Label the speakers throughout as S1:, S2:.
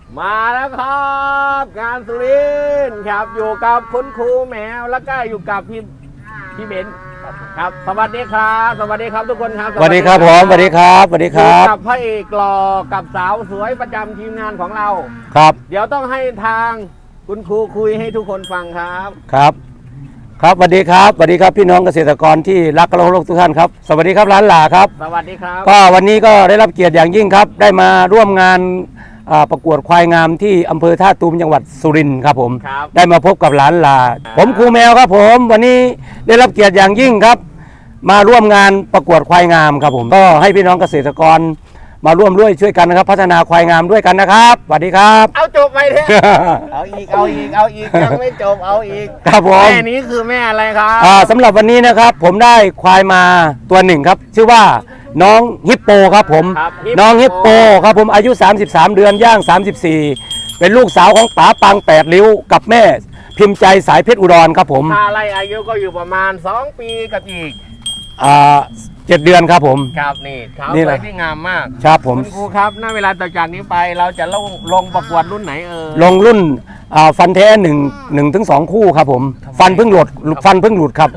S1: มาแล้วครับงานสุรินทร์ครับอยู่กับคุณครูแมวแล้วก็อยู่กับพี่เบนครับสวัสดีครับสวัสดีครับทุกคนครับ
S2: สวัสดีครับผมสวัสดีครับสวัสดีครับ
S1: กับพระเอกหล่อกับสาวสวยประจำทีมงานของเรา
S2: ครับ
S1: เดี๋ยวต้องให้ทางคุณครูคุยให้ทุกคนฟังครับ
S2: ครับครับสวัสดีครับสวัสดีครับพี่น้องเกษตรกรที่รักและเคารพทุกท่านครับสวัสดีครับร้านหล่าครับ
S1: สวัสดีครับ
S2: ก็วันนี้ก็ได้รับเกียรติอย่างยิ่งครับได้มาร่วมงานประกวดควายงามที่อำเภอท่าตูมจังหวัดสุรินทร์ครับผมได้มาพบกับร้านหล่าผมครูแมวครับผมวันนี้ได้รับเกียรติอย่างยิ่งครับมาร่วมงานประกวดควายงามครับผมก็ให้พี่น้องเกษตรกรมาร่วมด้วยช่วยกันนะครับพัฒนาควายงามด้วยกันนะครับสวัสดีครับ
S1: เอาจบไปเถอะเอาอีกยังไม่จบเอาอีก
S2: ครับผม
S1: แม่นี้คือแม่อะไรครับ
S2: สำหรับวันนี้นะครับผมได้ควายมาตัวหนึ่งครับชื่อว่าน้องฮิปโปครับผมน้องฮิปโปครับผมอายุ33เดือนย่าง34เป็นลูกสาวของป๋าปัง8ริ้วกับแม่พิมพ์ใจสายเพชรอุดรครับผม
S1: ถ้าไล่อายุก็อยู่ประมาณ2ปีกับอีก
S2: 7 เดือนครับผม
S1: ครับนี่เขาสวยที่งามมาก
S2: ครับผม
S1: คุณครูครับณเวลาต่อจากนี้ไปเราจะลงประกวดรุ่นไหน
S2: ลงรุ่นฟันแท้1 ถึง 2 คู่ครับผมฟันเพิ่งหลุดครับ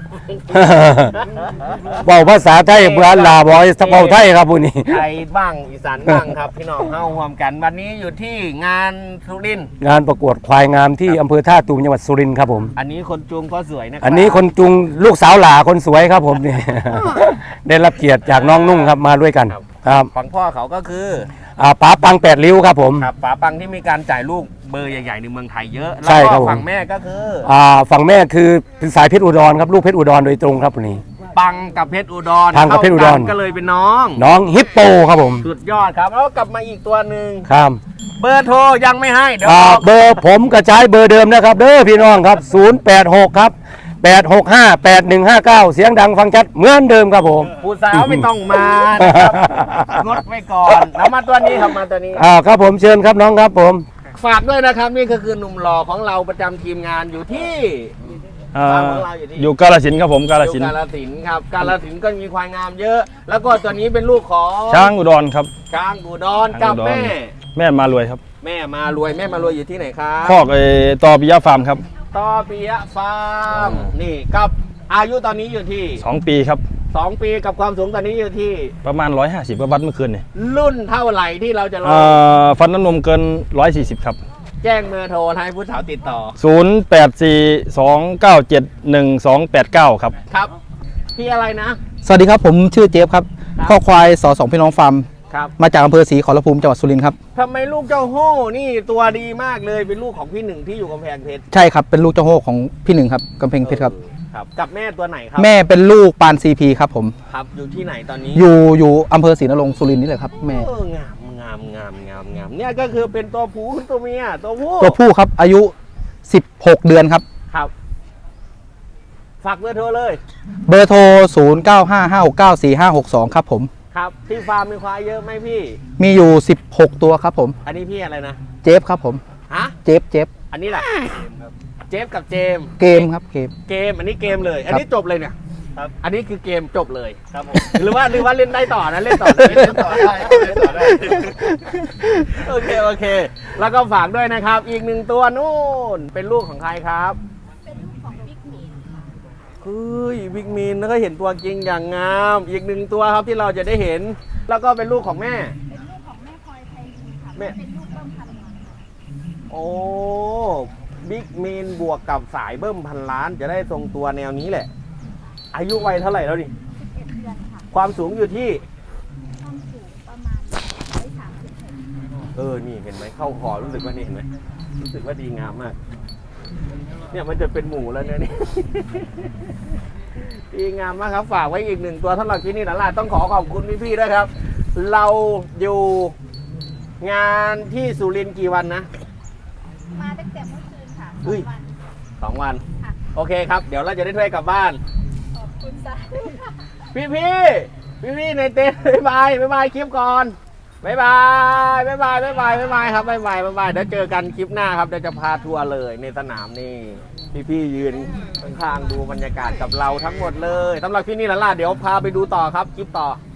S2: บอกภาษาไทยเบื่อลาบอยสเปาไทยครับพวกนี้
S1: ไทยบ้างอีสานบ้างครับพี่น้องเข้าร่วมกันวันนี้อยู่ที่งานสุรินทร์
S2: งานประกวดควายงามที่อำเภอท่าตูมจังหวัดสุรินทร์ครับผม
S1: อันนี้คนจูงก็สวยนะครับ
S2: อันนี้คนจูงลูกสาวหล่าคนสวยครับผมนี่ได้รับเกียรติจากน้องนุ่งครับมาด้วยกันครับ
S1: ฝั่งพ่อเขาก็คือ
S2: ป๋าปัง8ริ้วครับผม
S1: ครับป๋าปังที่มีการจ่ายลูกเบอร์ใหญ่ๆในเมืองไทยเยอะ
S2: ใช่ครับ
S1: ฝั่งแม่ก็คือ
S2: ฝั่งแม่คือสายเพชรอุดรครับลูกเพชรอุดรโดยตรงครับวันนี้
S1: ปังกับเพชรอุดร
S2: ปังกับเพชรอุดร
S1: ก็เลยเป็นน้อง
S2: ฮิปโปครับผม
S1: สุดยอดครับแล้วกลับมาอีกตัวหนึ่ง
S2: ครับ
S1: เบอร์โทรยังไม่ให้เดี๋ยว
S2: เบอร์ผมกระจายเบอร์เดิมนะครับเด้อพี่น้องครับ086ครับ8658159เสียงดังฟังชัดเหมือนเดิมครับผม
S1: ผู้สาวไม่ต้องมานะครับงดไว้ก่อนแล้วมาตัวนี้ครับมาตัวนี้
S2: ครับผมเชิญครับน้องครับผม
S1: ฝากด้วยนะครับนี่ก็คือหนุ่มหล่อของเราประจำทีมงานอยู่ที่
S3: อยู่กาฬสินธุ์ครับผมกาฬสินธุ์
S1: ครับกาฬสินธุ์ก็มีควายงามเยอะ แล้วก็ตัวนี้เป็นลูกของ
S3: ช้างอุดรครับ
S1: ช้างอุดรกับแม่
S3: มารวยครับ
S1: แม่มารวยอยู่ที่ไหนครับ
S3: คอกตอปิยะฟาร์มครับ
S1: ตอปิยะฟาร์มนี่กับอายุตอนนี้อยู่ที่
S3: 2 ปีครับ
S1: 2 ปีกับความสูงตอนนี้อยู่ที่
S3: ประมาณ150กว่าวัดเมื่อคืนนี่
S1: รุ่นเท่าไหร่ที่เราจะลอง
S3: ฟันน้ำนมเกิน140ครับ
S1: แจ้งเบอร์โทรให้ผู้สาวติดต่อ
S3: 0842971289ครับ
S1: ครับพี่อะไรนะ
S4: สวัสดีครับผมชื่อเจฟครับข้อควาย2พี่น้องฟาร์มมาจากอำเภอศรีขอรภูมิจังหวัดสุรินทร์ครับ
S1: ทำไมลูกเจ้าโห่นี่ตัวดีมากเลยเป็นลูกของพี่หนึ่งที่อยู่กำแพงเพชร
S4: ใช่ครับเป็นลูกเจ้าโห่ของพี่หนึ่งครับกำแพงเพชรครับ
S1: กับแม่ตัวไหนครับ
S4: แม่เป็นลูกปานซีพีครับผม
S1: ครับอยู่ที่ไหนตอนนี้
S4: อยู่อำเภอศรีนรงค์สุรินทร์นี่แหละครับแม่
S1: งามเนี่ยก็คือเป็นตัวผู้ตัวเมียตัว
S4: ผู้ครับอายุ16เดือนครับ
S1: ฝากเบอร์โทรเลย
S4: เบอร์โทร0955694562ครับผม
S1: ครับที่ฟาร์มมีควายเยอะไหมพี่
S4: มีอยู่16ตัวครับผม
S1: อันนี้พี่อะไรนะ
S4: เจฟครับผม
S1: ฮะ
S4: เจฟ
S1: อันนี้แหละเจฟกับเจม
S4: ครับเกม
S1: อันนี้เกมเลยอันนี้จบเลยเนี่ยอันนี้คือเกมจบเลยครับผมหรือว่าเล่นได้ต่อนะเล่นต่อได้โอเคแล้วก็ฝากด้วยนะครับอีก1ตัวนู่นเป็นลูกของใครครับ
S5: เป็นลูกของบิ๊กมีนค่ะ
S1: บิ๊กมีนแล้วก็เห็นตัวจริงอย่างงามอีก1ตัวครับที่เราจะได้เห็นแล้วก็เป็นลูกของแม่
S5: เป็นลูกของแม่พลอยไทยลีค่ะเป็นลูกเบิ้มพันล้าน
S1: โอ้บิ๊กมีนบวกกับสายเบิ้มพันล้านจะได้ทรงตัวแนวนี้แหละอายุวัยเท่าไหร่แล้วดิ
S5: 11 เดือนค่ะ
S1: ความสูงอยู่ที่
S5: ความสูงประมาณ136
S1: นี่เห็นไหมเข้าคอรู้สึกว่านี่เห็นไหมรู้สึกว่าดีงามมากเนี่ยมันจะเป็นหมูแล้วเนี่ยนี่ดีงามมากครับฝากไว้อีก1ตัวสำหรับที่นี่นะล่ะต้องขอบคุณพี่ๆด้วยครับเราอยู่งานที่สุรินทร์กี่วันนะ
S5: มาตั้งแต่เมื่อคืนค่ะ
S1: 2 วันโอเคครับเดี๋ยวเราจะได้ถ้วยกลับบ้าน
S5: ขอบคุณจ้า
S1: พี่ในเต็นท์บ๊ายบายคลิปก่อนบ๊ายบายครับบ๊ายบายเดี๋ยวเจอกันคลิปหน้าครับเดี๋ยวจะพาทัวร์เลยในสนามนี่พี่ยืนข้างๆดูบรรยากาศกับเราทั้งหมดเลยสำหรับที่นี่ล่ะเดี๋ยวพาไปดูต่อครับคลิปต่อ